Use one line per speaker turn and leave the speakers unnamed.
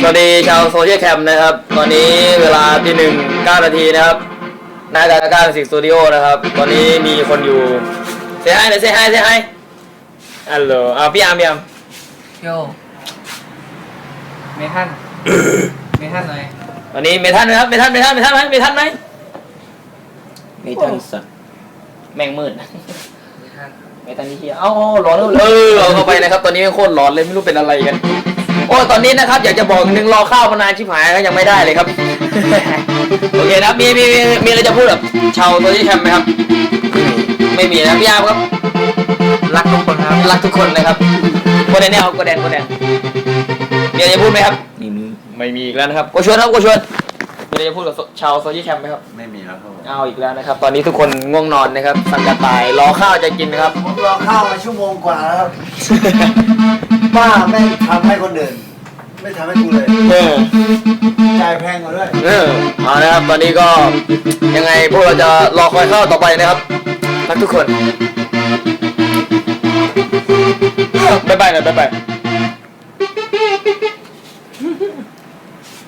สวัสดีชาวโซเชียลแคมป์นะครับตอนนี้เวลาที่1:09 นาทีนะครับหน้าการสิกสตูดิโอนะครับตอนนี้มีคนอยู่เซฮายหน่อยเซฮายฮัลโหลพี่อาร์ม
โยเมทันหน่อย
ตอนนี้เมทันนะครับเมทันไหมเมทันสัตว์แม่งมืดเมทันที่เฮียร้อนเอาเข้าไปนะครับตอนนี้โคตรร้อนเลยไม่รู้เป็นอะไรกันโอ้ตอนนี้นะครับอยากจะบอกนึงรอข้าวมานานชิบหายก็ยังไม่ได้เลยครับ โอเคนะมีอะไรจะพูดกับชาวโซเชียลแคมป์ไหมครับไม่มีนะพี่อาร์มครับ
รักทุกคนครับ
รักทุกคนนะครับโกแดนเนี่ยครับโกแดนมีอะไรจะพูดไหมครับไม่มีอีกแล้วนะครับโกชวนมีอะไรจะพูดกับชาวโซเชียลแคมป์ไหมครับ
ไม่มีแล้วครับ
เอาอีกแล้วนะครับตอนนี้ทุกคนง่วงนอนนะครับสั่งกระต่ายรอข้าวจะกินนะครับ
ผมรอข้าวมาชั่วโมงกว่าแล้วครับป้าแม่งทำให้คนอื่นไม่ทำให้กูเลยจ่ายแพงกว่าด้วย
เอานะครับตอนนี้ก็ยังไงพวกเราจะรอคอยข้าวต่อไปนะครับรักทุกคนบ๊ายบาย